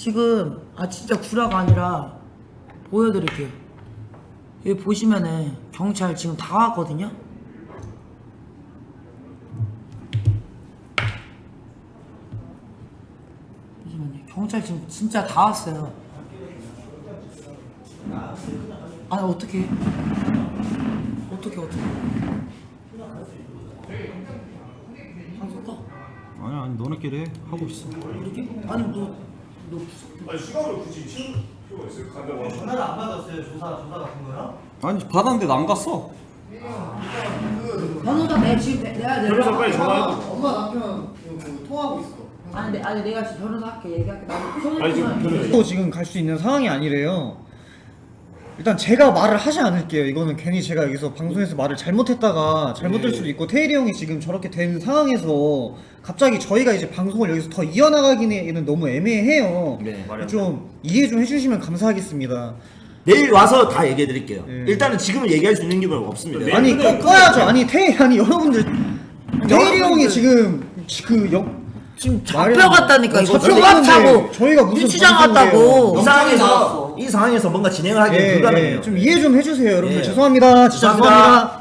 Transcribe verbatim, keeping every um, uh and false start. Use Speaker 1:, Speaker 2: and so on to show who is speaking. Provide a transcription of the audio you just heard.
Speaker 1: 지금 아 진짜 구라가 아니라 보여드릴게요. 여기 보시면은 경찰 지금 다 왔거든요. 잠시만요. 경찰 지금 진짜 다 왔어요. 아니 어떻게 어떻게 어떻게 방송 떠?
Speaker 2: 아니 아니 너네끼리 해. 하고 있어.
Speaker 1: 이렇게? 아니 너너
Speaker 3: 아니 시간을 굳이 치울 필요가 있어요? 간다고 하면.
Speaker 4: 전화를 안 받았어요? 조사 조사 같은 거요?
Speaker 2: 아니 받았는데 안 갔어.
Speaker 1: 변호사 내 지금 내- 내가 내가
Speaker 3: 변호사 빨리 전화해.
Speaker 4: 엄마 남편 그 통화하고 있어.
Speaker 1: 아니 내, 아니 내가 지금 변호사 할게 얘기할게. 나도 소문
Speaker 3: 아니 지금
Speaker 1: 통화해.
Speaker 3: 변호사
Speaker 4: 또 지금 갈 수 있는 상황이 아니래요. 일단 제가 말을 하지 않을게요. 이거는 괜히 제가 여기서 방송에서 말을 잘못했다가 잘못될
Speaker 3: 네.
Speaker 4: 수도 있고 태일이 형이 지금 저렇게 된 상황에서 갑자기 저희가 이제 방송을 여기서 더 이어나가기는 너무 애매해요.
Speaker 5: 네, 말이 안
Speaker 4: 좀 이해 좀 해주시면 감사하겠습니다.
Speaker 5: 내일 와서 다 얘기해 드릴게요.
Speaker 4: 네.
Speaker 5: 일단은 지금은 얘기할 수 있는 게 없습니다.
Speaker 3: 네.
Speaker 4: 아니
Speaker 3: 근데-
Speaker 4: 꺼, 꺼야죠. 아니 태일 아니 여러분들 태일이 형이
Speaker 1: 여러분들-
Speaker 4: 지금 그 영,
Speaker 1: 지금
Speaker 4: 말이 안
Speaker 1: 잡혀갔다니까
Speaker 4: 돼.
Speaker 1: 이거
Speaker 4: 잡혀갔는데
Speaker 1: 조각 차고
Speaker 4: 저희가 무슨
Speaker 1: 유치장
Speaker 4: 방송이에요.
Speaker 1: 갔다고.
Speaker 5: 이 상황에서 이 상황에서 뭔가 진행을 하기는
Speaker 4: 예,
Speaker 5: 불가능해요.
Speaker 4: 예, 좀 이해 좀 해주세요, 여러분들.
Speaker 5: 예.
Speaker 4: 죄송합니다. 진짜
Speaker 5: 죄송합니다.
Speaker 4: 죄송합니다.